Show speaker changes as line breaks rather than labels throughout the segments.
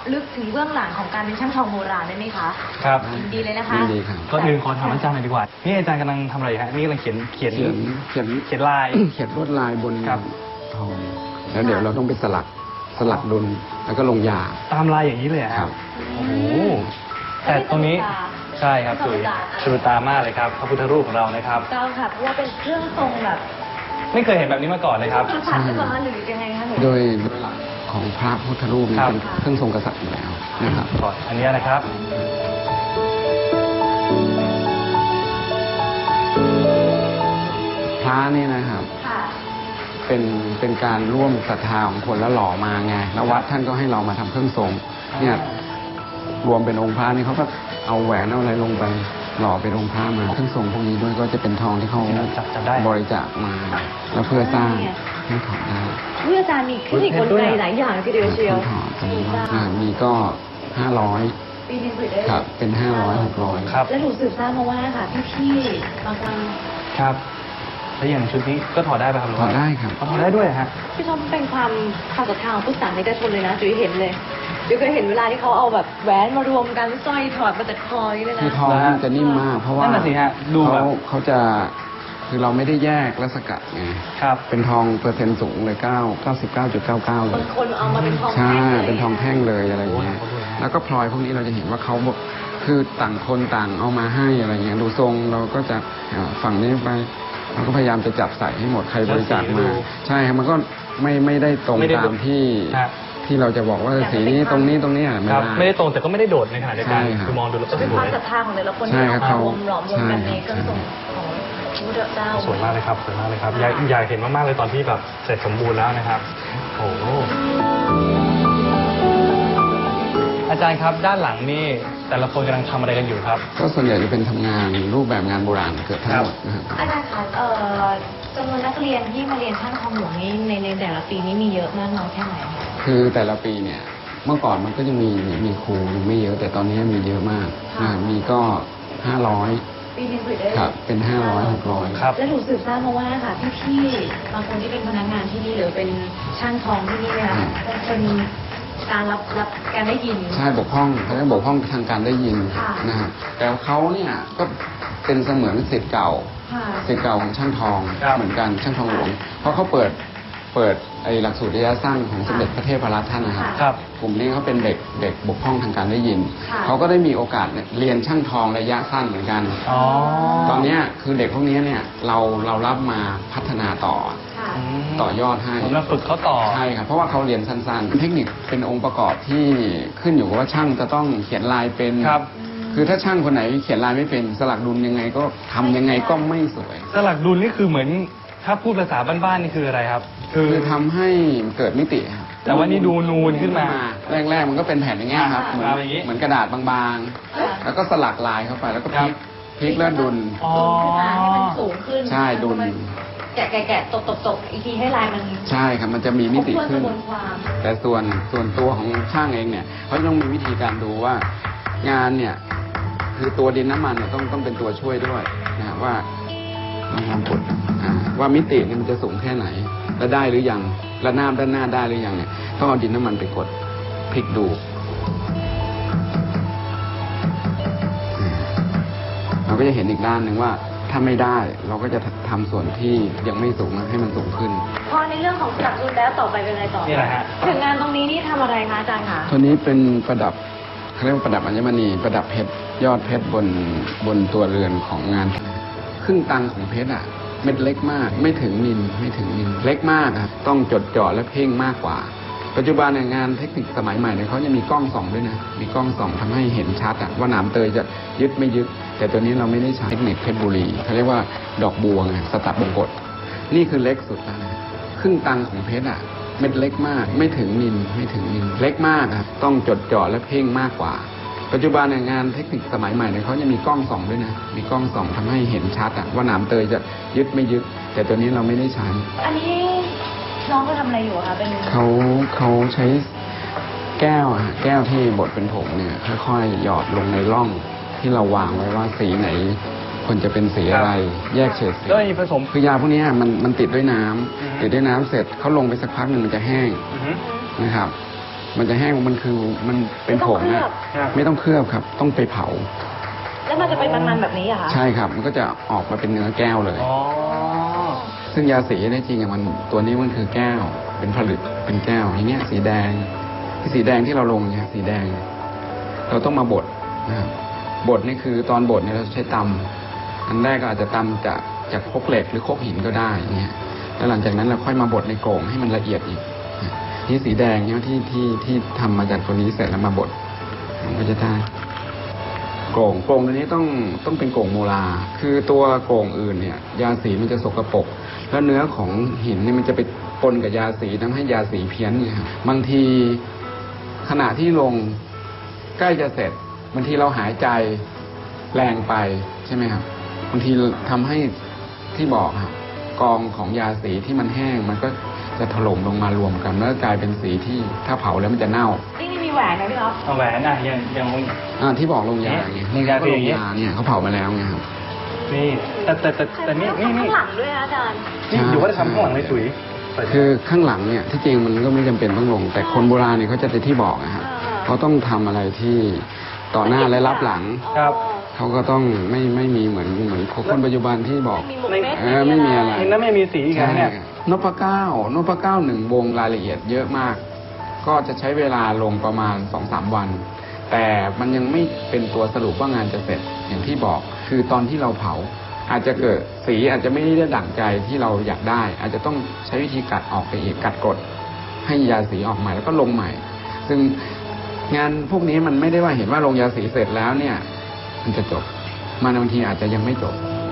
ลึกถึงเบื้องหลังของการเป็นช่างทองโบราณได้ไหมคะ
ครับ
ยินดีเลยนะคะ
ยินดีครับ
ก่อนอื่นขอถามอาจารย์หน่อยดีกว่านี่อาจารย์กำลังทำอะไรอยู่ฮะนี่กำลังเขียนลาย
เขียนลวดลายบน
ครับ
ทองแล้วเดี๋ยวเราต้องไปสลักดุลแล้วก็ลงยา
ตามลายอย่างนี้เลยเหรอ
ครับ
โอ้โหแต่ตรงนี้ใช่ครับจุ๋ยสะดุดตามากเลยครับพระพุทธรูปของเรานะครับ
เจ้าค่ะเพราะว่าเป็นเครื่องทรงแบบ
ไม่เคยเห็นแบบนี้มาก่อนเลยครับ
กษัตริย์หรือเปล่าคะหรือยังไงคะหนู
โดยหลักของพระพุทธรูปเนี่ย
ครับ
เป็นเครื่องทรงกษัตริย์อยู่แล้วนะครับ
ก่อนอันนี้นะครับ
พระเนี่ยนะครับ
ค่ะ
เป็นการร่วมศรัทธาของคนแล้วหล่อมาไงแล้ววัดท่านก็ให้เรามาทำเครื่องทรงเนี่ยรวมเป็นองค์พระนี่เขาก็เอาแหวนเอาอะไรลงไปหล่อเป็นองค์พระมาเครื่องทรงพวกนี้ด้วยก็จะเป็นทองที่เขา
จับได้
บริจาคมาแล้วเพื่อสร้างให้ถอดได้
เมื่ออาจารย์มีเทคนิคกลไกหลายอย่างทีเดียวเชียว
ถอดตรงนี้มีก็500
ปีนี้สืบได้
ครับเป็น500 600
ครับ
แล้วหนูสืบทราบมาว่าค่ะพี่ๆบางคน
ครับแล้วอย่างชุดนี้ก็ถอดได้ป่ะครับ
ถอดได้ครับ
ถอดได้ด้วยฮะ
พี่ชอบเป็นความศรัทธาของพุทธศาสนิกชนเลยนะจุ๋ยเห็นเลยจุ๋ยเคยเห็นเวลาที่เขาเอาแบบแหวนมารวมกันสร้อยถอดมาจากคอนี่เลยนะ
คือทองมันจะนิ่มมาก เพราะว่า
นั่นน่ะสิฮะดูแบบ
เขาจะคือเราไม่ได้แยกและสกัดไง
ครับ
เป็นทองเปอร์เซ็นต์สูงเลย99.99 เล
บาย งคนเอามาเป็นทอง
ใช่
แท่งเลย
เป็นทองแท่งเลยอะไรอย่างเงี้ย
โอ้โห
แล้วก็พลอยพวกนี้เราจะเห็นว่าเขาคือต่างคนต่างเอามาให้อะไรเงี้ยดูทรงเราก็จะฝั่งนี้ไปเราก็พยายามจะจับใส่ให้หมดใครบริจาคมา ใช่ครับมันก็ไม่ได้ตรงตามที่เราจะบอกว่าสีนี้ตรงนี้ไม่
ครับ
ได้
ไม่ได้ตรงแต่ก็ไม่ได้โดดในขณะเดียวกัน
ใช่ครับ
คือมองดูแล้ว
จะเป็นความ
สวย
ศรัทธาของแต่ละคน
ใช่
ที่
ครับ
เอามารวมหลอมรวมกันในเครื่องทรงของพระพุทธเจ้า
สวยมากเลยครับสวยมากเลยครับอยากเห็นมากๆเลยตอนที่แบบเสร็จสมบูรณ์แล้วนะครับโอ้โหอาจารย์ครับด้านหลังนี่แต่ละคนกำลังทำอะไรกันอยู่ครับ
ก็ส่วนใหญ่จะเป็นทำงานรูปแบบงานโบราณเกือบทั้งหมดนะครับ
อาจารย์คะจำนวนนักเรียนที่มาเรียนช่างทองหลวงนี้ในแต่ละปีนี้มีเยอะมากน้อยแค่ไหนคะ
คือแต่ละปีเนี่ยเมื่อก่อนมันก็จะมีครูไม่เยอะแต่ตอนนี้มีเยอะมากมีก็500
ปีนี้สืบได้
ครับเป็น500 600
ครับ
แล้วหนูสืบทราบมาว่าค่ะพี่ๆบางคนที่เป็นพนักงานที่นี่หรือเป็นช่างทองที่นี่เนี่ยเป็นการรับการได้ยิน
ใช่บกพร่องเขาจะบกพร่องทางการได้ยิน
ค่ะ
นะครับแต่เขาเนี่ยก็เป็นเสมือนศิษย์เก่า
ค่ะ
ศิษย์เก่าของช่างทอง
ครับ
เหมือนกันช่างทองหลวงเพราะเขาเปิดไอ้หลักสูตรระยะสั้นของสมเด็จพระเทพรัตน์ท่านนะครับ
ครับ
กลุ่มนี้เขาเป็นเด็กบกพร่องทางการได้ยิน
ค่ะ
เขาก็ได้มีโอกาสเรียนช่างทองระยะสั้นเหมือนกัน
อ๋อ
ตอนเนี้ยคือเด็กพวกนี้เนี่ยเรารับมาพัฒนาต่อ
ค่ะ
ต่อยอดให้
ผมจะฝึกเขาต่อ
ใช่ครับเพราะว่าเขาเรียนสั้นๆ เทคนิคเป็นองค์ประกอบที่ขึ้นอยู่กับว่าช่างจะต้องเขียนลายเป็น
ครับ
คือถ้าช่างคนไหนเขียนลายไม่เป็นสลักดุลยังไงก็ทำยังไงก็ไม่สวย
สลักดุลนี่คือเหมือนถ้าพูดภาษาบ้านๆนี่คืออะไรครับ
คือทำให้เกิดมิติครับ
แต่ว่านี่ดูนูนขึ้นมา
แรกๆมันก็เป็นแผ่นอย่างเงี้ยครับ
ครับอย่างงี้
เหมือนกระดาษบางๆ แล้วก็สลักลายเข้าไปแล้วก็พลิกแล้วดุล
อ๋อ
ขึ้นมาให้มันสูงขึ้น
ใช่ดุล
แกะตบอีกทีให้ลายมัน
ใช่ครับมันจะมีมิติ
ครบถ้วนก
ขึ้น
ระบวนความ
แต่ส่วนตัวของช่างเองเนี่ยเขาต้องมีวิธีการดูว่างานเนี่ยคือตัวดินน้ำมันเนี่ยต้องเป็นตัวช่วยด้วยนะว่าลองกดว่ามิติเนี่ยมันจะสูงแค่ไหน และได้หรือยังและหน้าด้านหน้าได้หรือยังเนี่ยต้องเอาดินน้ำมันไปกดพลิกดูเราก็จะเห็นอีกด้านหนึ่งว่าถ้าไม่ได้เราก็จะทำส่วนที่ยังไม่สูงให้มันสูงขึ้น
พอในเรื่องของสลักดุลแล้วต่อไปเป็นอะไรต่อ
นี่แหละฮะ
ถึงงานตรงนี้นี่ทำอะไรคะอาจารย์คะ
ตัวนี้เป็นประดับเขาเรียกว่าประดับอัญมณีประดับเพชรยอดเพชรบนตัวเรือนของงานครึ่งตังของเพชรเม็ดเล็กมากไม่ถึงมิลเล็กมากครับต้องจดจ่อและเพ่งมากกว่า ปัจจุบันงานเทคนิคสมัยใหม่เนี่ยเขาจะมีกล้องส่องด้วยนะมีกล้องส่องทำให้เห็นชัดว่าหนามเตยจะยึดไม่ยึดแต่ตัวนี้เราไม่ได้ใช้เทคนิคเพชรบุรีเขาเรียกว่าดอกบัวไงสตัดบงกฎนี่คือเล็กสุดแล้วนะครึ่งตังของเพชรเม็ดเล็กมากไม่ถึงมิลเล็กมากครับต้องจดจ่อและเพ่งมากกว่า ปัจจุบันงานเทคนิคสมัยใหม่เนี่ยเขาจะมีกล้องส่องด้วยนะมีกล้องส่องทำให้เห็นชัดว่าหนามเตยจะยึดไม่ยึดแต่ตัวนี้เราไม่ได้ใช้
อันนี้น้องเขาทำอะไรอยู่อะคะเป็น
เขาใช้แก้วแก้วที่บดเป็นผงเนี่ยค่อยๆหยอดลงในร่องที่เราวางไว้ว่าสีไหนควรจะเป็นสีอะไรแยกเฉดสี
แล้วมีผสม
คือยาพวกนี้มันติดด้วยน้ำ
อือฮึ
ติดด้วยน้ำเสร็จเขาลงไปสักพักหนึ่งมันจะแห้ง
อือฮึ
นะครับมันจะแห้งมันคือมันเป็นผงอะไม่ต้องเคลือบครับ ต้องไปเผา
แล้วมันจะเป็นมันๆแบบนี้เหรอคะ
ใช่ครับ มันก็จะออกมาเป็นเนื้อแก้วเลย
อ๋อ
ซึ่งยาสีเนี่ยจริงอะมันตัวนี้มันคือแก้ว เป็นผลึกเป็นแก้วอย่างเงี้ยสีแดงสีแดงที่เราลงเนี่ยสีแดง เราต้องมาบดนะครับบดนี่คือตอนบดเนี่ยเราใช้ตำอันแรกก็อาจจะตำจากครกเหล็กหรือครกหินก็ได้อย่างเงี้ยแล้วหลังจากนั้นเราค่อยมาบดในโก่งให้มันละเอียดอีกนี่สีแดงเนี่ยที่ทำมาจากตัวนี้เสร็จแล้วมาบดมันก็จะได้โก่งตัวนี้ต้องเป็นโก่งโมลาคือตัวโก่งอื่นเนี่ยยาสีมันจะสกปรกแล้วเนื้อของหินเนี่ยมันจะไปปนกับยาสีทำให้ยาสีเพี้ยนเนี่ยครับบางทีขณะที่ลงใกล้จะเสร็จบางทีเราหายใจแรงไปใช่ไหมครับบางทีทำให้ที่บอกครับกองของยาสีที่มันแห้งมันก็จะถล่มลงมารวมกันแล้วกลายเป็นสีที่ถ้าเผาแล้วมันจะเน่า
นี่มีแหวนไหมพี่อ๊อฟ
เอาแหวนอ่ะยัง
ที่บอกลงยาไง
ลงยา
ก็
คือ
ล
อย่าง งงี้
ยาเนี่ยเขาเผามาแล้วไงครับ
นี่แต่นี่
ข้างหลังด้วยนะอาจารย์
นี่อยู่ว่าจะทำข้างหลังไม่สวย
คือข้างหลังเนี่ยที่จริงมันก็ไม่จำเป็นต้องลง แต่คนโบราณเนี่ยเขาจะที่บอกนะครับเขาต้องทำอะไรที่ต่อหน้าและรับหลัง
ครับ
เขาก็ต้องไม่มีเหมือนคนปัจจุบันที่บอก
มีหมกเม็ด
ไม่มีอะไร
เห็นแล้วไม่มีสีอีกแล้วเนี่ย
นพเก้าหนึ่งวงรายละเอียดเยอะมาก ก็จะใช้เวลาลงประมาณ 2-3 วัน แต่มันยังไม่เป็นตัวสรุปว่างานจะเสร็จอย่างที่บอก คือตอนที่เราเผา อาจจะเกิดสีอาจจะไม่ได้ดั่งใจที่เราอยากได้ อาจจะต้องใช้วิธีกัดออกไปอีกกัดกดให้ยาสีออกใหม่แล้วก็ลงใหม่ ซึ่งงานพวกนี้มันไม่ได้ว่าเห็นว่าลงยาสีเสร็จแล้วเนี่ย มันจะจบ มันบางทีอาจจะยังไม่จบ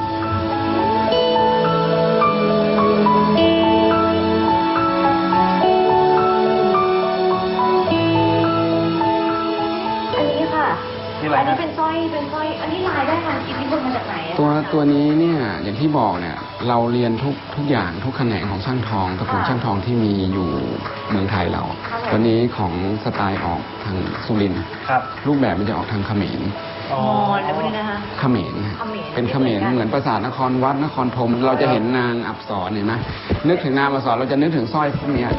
อันนี้ค่ะ
นี่อะไร
อันนี้
นะ
เป็นสร้อยอันนี้ลายได้มาอิทธิพลมาจากไหนอะ
ตัวนี้เนี่ยอย่างที่บอกเนี่ยเราเรียนทุกอย่างทุกแขนงของช่างทองตระกูลช่างทองที่มีอยู่เมืองไทยเราตัวนี้ของสไตล์ออกทางสุรินทร์
ครับ
รูปแบบมันจะออกทางเขมร
มอญแล้วพวกนี้นะคะ
เขมร
เขมร
เป็นเขมรเหมือนปราสาทนครวัดนครธมเราจะเห็นนางอับสรเห็นไหมนึกถึงนางอับสรเราจะนึกถึงสร้อยพวกเนี้ย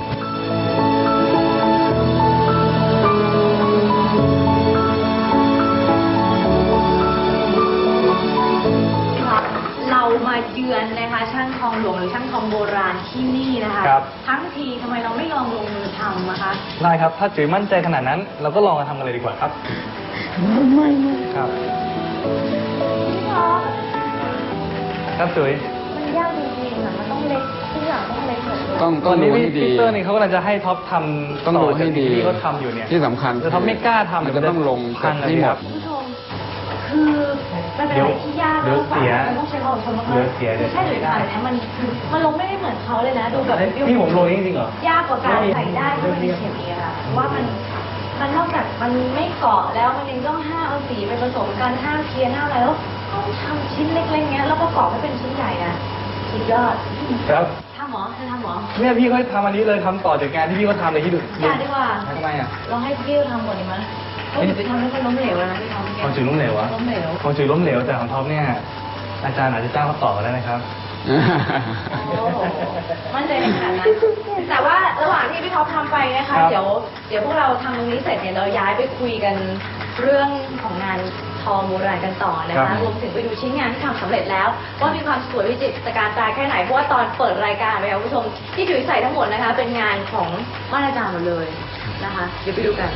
เรามาเยือนนะคะช่างทองหลวงหรือช่างทองโบราณที่นี่นะคะ
ครับ
ทั้งทีทำไมเราไม่ลองลงมือทำนะคะ
ได้ครับ ถ้าจุ๋ยมั่นใจขนาดนั้น เราก็ลองมาทำกันเลยดีกว่าครับ
ไม่
ครับ
พี่ท็อป
ครับจุ๋ย
มันยากจริงๆอะมันต้องเล็กทุกอย่างต้องเล็กหมดเลย
ต้อง
ตอนนี้
ดูให้ดี
พี่เตอร์นี่เขากำลังจะให้ท็อปทำ
ต้องดูให้ดี
ที่เขาทำอยู่เนี่ย
ที่สำคัญ
แต่ท็อปไม่กล้าทำ
มันจะต้องลง
พัง
ให้หมด
คุณผู้ชมคือมันเป็นอะไรที่ยาก
เดี๋ยวเสีย
มันต้องใช้ความอดทนมากๆ
เดี๋ยวเสียเดี๋ยว
ใช่หรือเปล่าเนี่ยมันลงไม่ได้เหมือนเขาเลยนะดูแบบ
พี่ผมโรยจริงๆเหรอ
ยากกว่าการใส่ได้ที่มันมีเข็มอีกอะค่ะเพราะว่ามันนอกจากมันไม่เกาะแล้วมันยังต้องห้ามเอาสีไปผสมกันห้ามเพี้ยนห้ามอะไรแล้วต้องทำชิ้นเล็กๆเงี้ยแล้วประกอบให้เป็นชิ้นใหญ่นะสุดยอด
ครับ
ทำหมอเธอทำหมอ
เนี่ยพี่เขาทำอันนี้เลยทำต่อจากงานที่พี่เขาทำเลยที่ดู
อย่าดีกว่า
ทำไมอ่ะ
เราให้พี่เขาทำก่อนดีไหมเพราะเดี๋ยวไปทำให้คนล้มเหลวแล้วนะพี่ทอม
ของจุ๋ยล้มเหลวอะ
ล้มเหลว
ของจุ๋ยล้มเหลวแต่ของท็อปเนี่ยอาจารย์อาจจะจ้างเขาต่อก็ได้นะครับ
โอ้โหมั่นใจในขนาดนั้น แต่ว่าระหว่างที่พี่ท็อปทำไปนะคะ
ครับ
เดี๋ยวพวกเราทำตรงนี้เสร็จเนี่ยเราย้ายไปคุยกันเรื่องของงานทองโบราณกันต่อนะ
ครั
คะ
บ
รวมถึงไปดูชิ้นงานที่ทำสำเร็จแล้วว่ามีความสวยวิจิตรการตาแค่ไหนเพราะว่าตอนเปิดรายการไปค่ะคุณผู้ชมที่จุ๋ยใส่ทั้งหมดนะคะ เป็นงานของม่านอาจารย์หมดเลยนะคะ เดี๋ยวไปดูกัน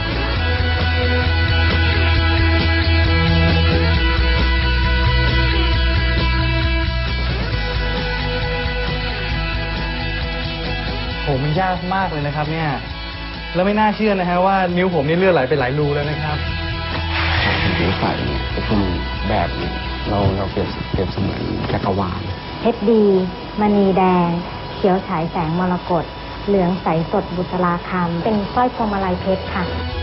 โหมันยากมากเลยนะครับ เนี่ย แล้วไม่น่าเชื่อนะฮะว่านิ้วผมนี่เลือดไหลไปหลายรูแล้วนะครับ
ผิวไฟเนี่ยก็คือแบบหนึ่งเราเปรียบเสมือนจักรวาล
เพชรดี มณีแดง เขียวฉายแสงมรกต เหลืองใสสดบุษราคำเป็นสร้อยพวงมาลัยเพชรค่ะ